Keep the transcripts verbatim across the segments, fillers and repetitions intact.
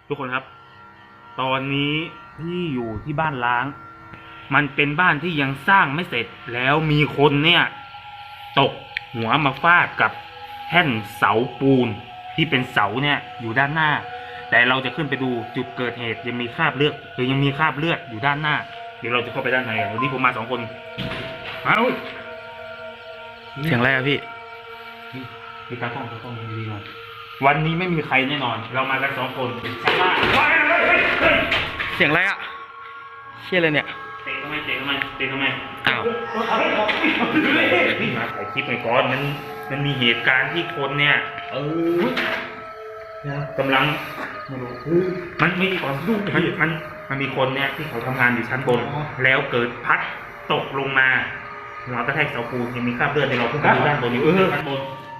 ทุกคนครับ ตอนนี้ที่อยู่ที่บ้านล้าง มันเป็นบ้านที่ยังสร้างไม่เสร็จแล้วมีคนเนี่ยตกหัวมาฟาดกับแท่นเสาปูนที่เป็นเสาเนี่ยอยู่ด้านหน้า แต่เราจะขึ้นไปดูจุดเกิดเหตุยังมีคราบเลือดหรือยังมีคราบเลือดอยู่ด้านหน้าเดี๋ยวเราจะเข้าไปด้านในวันนี้ผมมาสองคนเอาเสียงอะไรอะพี่มีการต้องต้องดีๆหน่อยวันนี้ไม่มีใครแน่นอนเรามากันสองคนใช่ไหมเสียงอะไรอะเชี่ยอะไรเนี่ยเตะทำไมเตะทำไมเตะทำไมอ้าวนี่มาถ่ายคลิปไปก่อนมันมันมีเหตุการณ์ที่คนเนี่ยเออกำลังไม่รู้มันไม่ก่อนมันมันมันมีคนเนี่ยที่เขาทำงานอยู่ชั้นบนแล้วเกิดพัดตกลงมาหัวกระแทกเสาปูนยังมีคราบเลือดในเราเพิ่งไปดูด้านบนอยู่เออด้านบน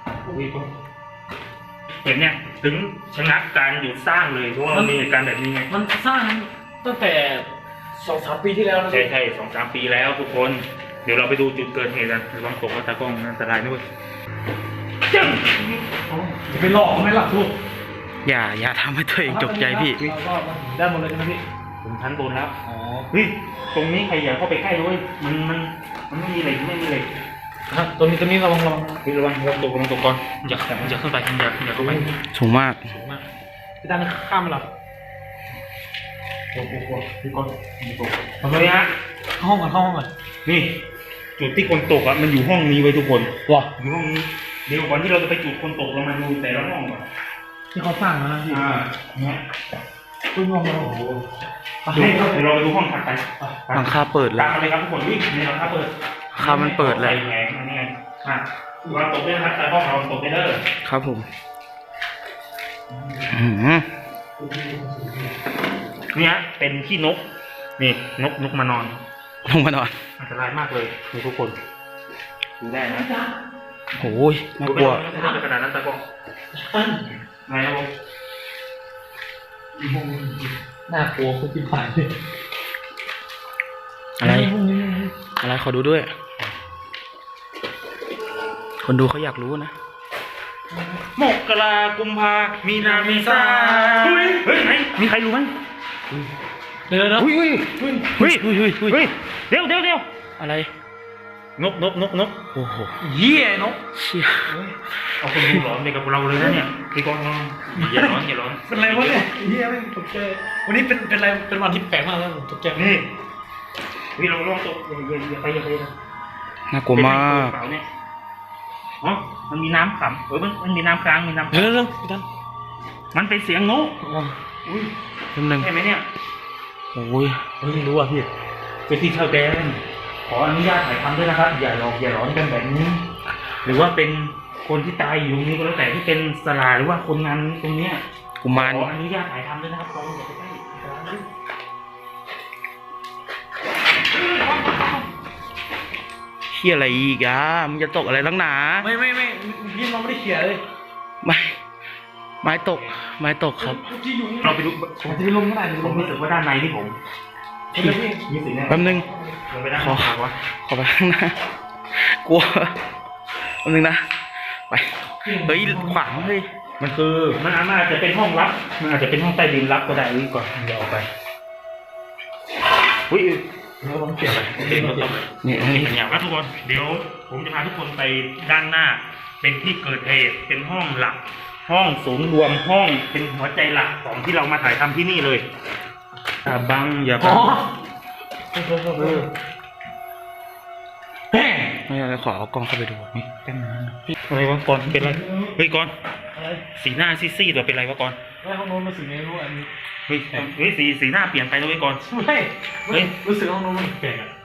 เห็นเนี่ยถึงชะงักการหยุดสร้างเลยเพราะว่ามันมีเหตุการณ์แบบนี้ไงมันสร้างตั้งแต่สองสามปีที่แล้วนะใช่ใช่สองสามปีแล้วทุกคนเดี๋ยวเราไปดูจุดเกิดเหตุกันระวังตกตากล้องอันตรายด้วยจึ๊งจะไปหลอกไหมล่ะทุกอย่าอย่าทำให้ตัวเองตกใจพี่ด้านบนเลยใช่ไหมพี่ถึงชั้นบนแล้วอ๋อเฮ้ยตรงนี้ใครอย่าเข้าไปใกล้ด้วยมันมันมันไม่มีเหล็กไม่มีเหล็กครับตรงนี้ตรงนี้ระวังระวังพี่ระวังระวังตกระวังตกก่อนอย่าอย่าขึ้นไปอย่าอย่าเข้าไปสูงมากสูงมากพี่ด้านข้ามมาหรอโอ้โหพี่ก้อนตกทำไมฮะห้องก่อนห้องก่อนนี่จุดที่คนตกอ่ะมันอยู่ห้องนี้ไว้ทุกคนว้าอยู่ห้องนี้เดี๋ยวก่อนที่เราจะไปจุดคนตกเรามาดูแต่ละห้องก่อนที่เขาสร้างนะพี่อ่าเนี่ยคุณมองเราโอ้โหเดี๋ยวเราไปดูห้องถัดไปหลังคาเปิดแล้วตามเลยครับทุกคนวิ่งในหลังคาเปิดคามันเปิดเลยไงนี่ไงอ่ะเราตกได้ครับแต่ห้องเราตกได้เลยครับผมเนี่ยเป็นขี้นกนี่นกนกมานอนลงมานอนอันตรายมากเลยมีทุกคนดูได้นะโอ้ยน่ากลัวไม่ได้ขนาดนั้นตะกองไงครับผมน่ากลัวคุณพี่ผ่านอะไรอะไรขอดูด้วยคนดูเขาอยากรู้นะมกรากุมภามีนาเมษาเฮ้ยเฮ้ยไหนมีใครรู้ไหมเดี๋ยวเดี๋ยวเฮ้ยเฮ้ยเฮ้ยเฮ้ยเฮ้ยเฮ้ยเดี๋ยวเดี๋ยวเดี๋ยวอะไรนกนกนกนกโอ้โหเยี่ยนกเชี่ยเอาคนดูหลอนเด็กกับเราเลยนะเนี่ยพี่ก้อนอย่าร้อนอย่าร้อนเป็นไรวะเนี่ยเยี่ยไม่ตกใจวันนี้เป็นเป็นอะไรเป็นวันที่แปลกมากแล้วผมตกใจนี่วิเราลองตกอย่าอย่าไปอย่าไปน่ากลัวมากอ๋อมันมีน้ำขำเออมันมันมีน้ำค้างมีน้ำเออเรื่องพี่ท่านมันเป็นเสียงนกอุ้ยนิดนึงใช่ไหมเนี่ยโอ้ยไม่รู้อ่ะพี่เป็นที่ชาวแดนขออนุญาตถ่ายทำด้วยนะครับอย่าหลอกอย่าหลอนกันแบบนี้หรือว่าเป็นคนที่ตายอยู่นี้ก็แล้วแต่ที่เป็นสลาหรือว่าคนงานตรงเนี้ยกุมารขออนุญาตถ่ายทำด้วยนะครับเราอย่าไปใกล้เขี่ยอะไรอีกอ่ะมึงจะตกอะไรลังหนาไม่ไม่ไม่พี่เราไม่ได้เขี่ยเลยไม่ไม้ตกไม้ตกครับเราไปดูผมจะลงไม่ได้ผมรู้สึกว่าด้านในที่ผมแป๊บนึงขอขอไปข้างหน้า กลัวแป๊บนึงนะไปเฮ้ยขวางเฮ้ยมันคือมันอาจจะเป็นห้องลับมันอาจจะเป็นห้องใต้ดินลับก็ได้วิ่งก่อนเดี๋ยวออกไปอุ้ยเราต้องเขี่ยไปนี่นี่อย่างว่าทุกคนเดี๋ยวผมจะพาทุกคนไปด้านหน้าเป็นที่เกิดเหตุเป็นห้องหลักห้องศูนย์รวมห้องเป็นหัวใจหลักของที่เรามาถ่ายทำที่นี่เลยอ่าบังอย่าบังเออไม่อะไรขอเอากล้องเข้าไปดูนี่แป๊บนึงอะไรวะก่อนเป็นไรเฮ้ยก่อนสีหน้าซีดๆตัวเป็นไรวะก่อนไม่ห้องโน้นมันสีไม่รู้อันนี้เฮ้ยเฮ้ยสีสีหน้าเปลี่ยนไปแล้วไว้ก่อนไม่เฮ้ยรู้สึกห้องโน้นมันแปลกอ่ะ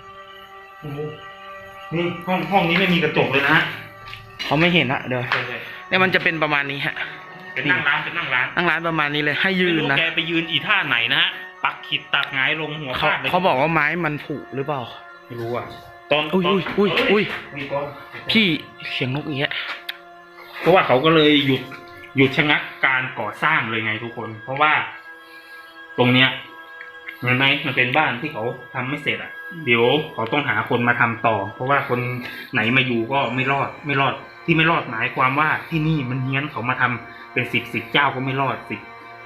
นี่ห้องห้องนี้ไม่มีกระจกเลยนะเขาไม่เห็นอะเดี๋ยวเนี่ยมันจะเป็นประมาณนี้ฮะเป็นนั่งร้านเป็นนั่งร้านนั่งร้านประมาณนี้เลยให้ยืนนะแกไปยืนอีท่าไหนนะฮะปักขีดตักหงายลงหัวฟาดเลยเขาบอกว่าไม้มันผุหรือเปล่าไม่รู้อ่ะตอนอุ้ยอุ้ยอุ้ยพี่เสียงนกอย่างเงี้ยเพราะว่าเขาก็เลยหยุดหยุดชะงักการก่อสร้างเลยไงทุกคนเพราะว่าตรงเนี้ยเห็นไหมมันเป็นบ้านที่เขาทำไม่เสร็จอ่ะเดี๋ยวเขาต้องหาคนมาทำต่อเพราะว่าคนไหนมาอยู่ก็ไม่รอดไม่รอดที่ไม่รอดหมายความว่าที่นี่มันเฮี้ยนเขามาทำเป็นสิบสิบเจ้าก็ไม่รอดสิบ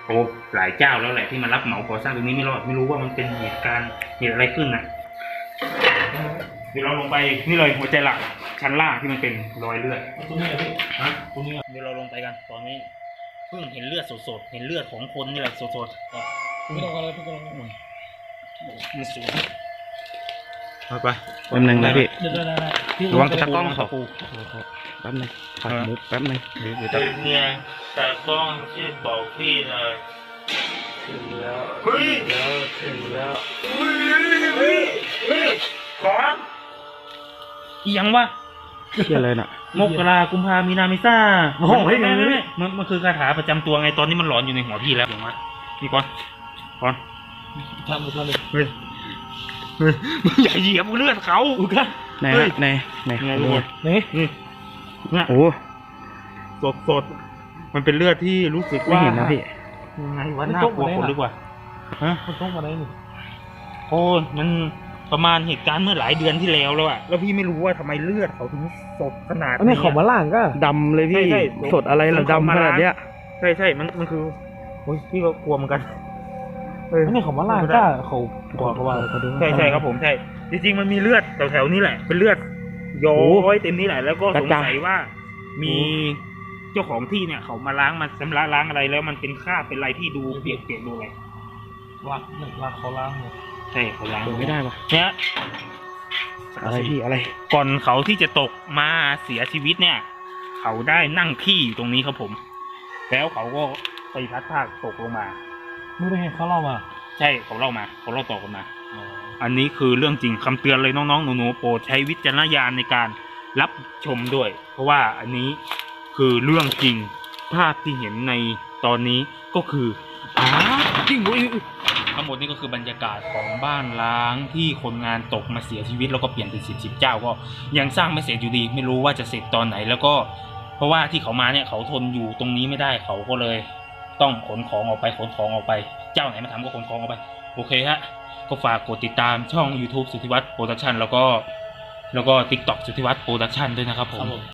โอ้หลายเจ้าแล้วแหละที่มารับเหมาก่อสร้างตรงนี้ไม่รอดไม่รู้ว่ามันเป็นเหตุการณ์เหตุอะไรขึ้นนะเดี๋ยวเราลงไปนี่เลยหัวใจหลักชั้นล่างที่มันเป็นรอยเลือดตรงนี้อะพี่ฮะตรงนี้เดี๋ยวเราลงไปกันตอนนี้เพิ่งเห็นเลือดสดๆเห็นเลือดของคนนี่แหละสดๆอ่ะไม่ต้องอะไรพี่ก็ลองมันสวยไปไปแป๊บนึงนะพี่เดี๋ยวได้ได้ได้พี่ระวังตะกล้องขอปูแป๊บนึงขอมุกแป๊บนึงเดี๋ยวเดี๋ยวเนี่ยแต่ต้องที่บอกพี่เลยถึงแล้วเฮ้ยแล้วถึงแล้วเฮ้ยเฮ้ยเฮ้ยขออีหยังวะเชี่ยเลยน่ะมกรากุมภามีนาเมษาโอ้โหไม่ไม่ไม่มันมันคือคาถาประจำตัวไงตอนนี้มันหลอนอยู่ในหัวพี่แล้วอย่างวะนี่ก่อนก่อนทำเลยทำเลยเฮ้ยเฮ้ยมึงอย่าเหยียบเลือดเขาอุกันไหนเฮ้ฮะยไหนไหนไงขอทุดูกคนนี่นี่เนี่ยโอ้สดสดมันเป็นเลือดที่รู้สึกไม่ว่าเห็นนะพี่ยังไงวะน่ากลัวคนลึกว่าฮะมันต้องมาได้หนึ่งโอ้ยมันประมาณเหตุการณ์เมื่อหลายเดือนที่แล้วแล้วอะแล้วพี่ไม่รู้ว่าทำไมเลือดเขาถึงสดขนาดอันนี้ของมาล่างก็ดำเลยพี่ใช่ใช่สดอะไรเหรอผมดำขนาดเนี้ยใช่ใช่มันมันคือโอ้ยพี่ก็กลัวเหมือนกันเอออันนี้ของมาล่างก็เขาบอกเขาว่าใช่ใช่ครับผมใช่จริงๆมันมีเลือดแถวๆนี้แหละเป็นเลือดย้อยเต็มนี่แหละแล้วก็สงสัยว่ามีเจ้าของที่เนี่ยเขามาล้างมาชำระล้างอะไรแล้วมันเป็นคราบเป็นอะไรที่ดูเปียกเปียกๆดูอะไรลักลักเขาล้างหมดใช่เขาล้างเปิดไม่ได้ปะเนี่ยอะไรพี่อะไรก่อนเขาที่จะตกมาเสียชีวิตเนี่ย เขาได้นั่งขี้อยู่ตรงนี้ครับผม แล้วเขาก็ไปพลัดพรากตกลงมาไม่ได้ให้เขาเล่ามาใช่เขาเล่ามาเขาเล่าต่อกันมา อันนี้คือเรื่องจริงคำเตือนเลยน้องๆหนูๆโปรดใช้วิจารณญาณในการรับชมด้วย เพราะว่าอันนี้คือเรื่องจริงภาพที่เห็นในตอนนี้ก็คืออ้าจริงอุ้ยอุ๊ยทั้งหมดนี้ก็คือบรรยากาศของบ้านล้างที่คนงานตกมาเสียชีวิตแล้วก็เปลี่ยนเป็นสิบสิบเจ้าก็ยังสร้างไม่เสร็จอยู่ดี ไม่รู้ว่าจะเสร็จตอนไหนแล้วก็ เพราะว่าที่เขามาเนี่ยเขาทนอยู่ตรงนี้ไม่ได้เขาก็เลย ต้องขนของออกไปขนของออกไป เจ้าไหนมาทำก็ขนของออกไปโอเคฮะก็ฝากกดติดตามช่อง YouTube สุทธิวัฒน์โปรดักชันแล้วก็แล้วก็ TikTok สุทธิวัฒน์โปรดักชันด้วยนะครับผม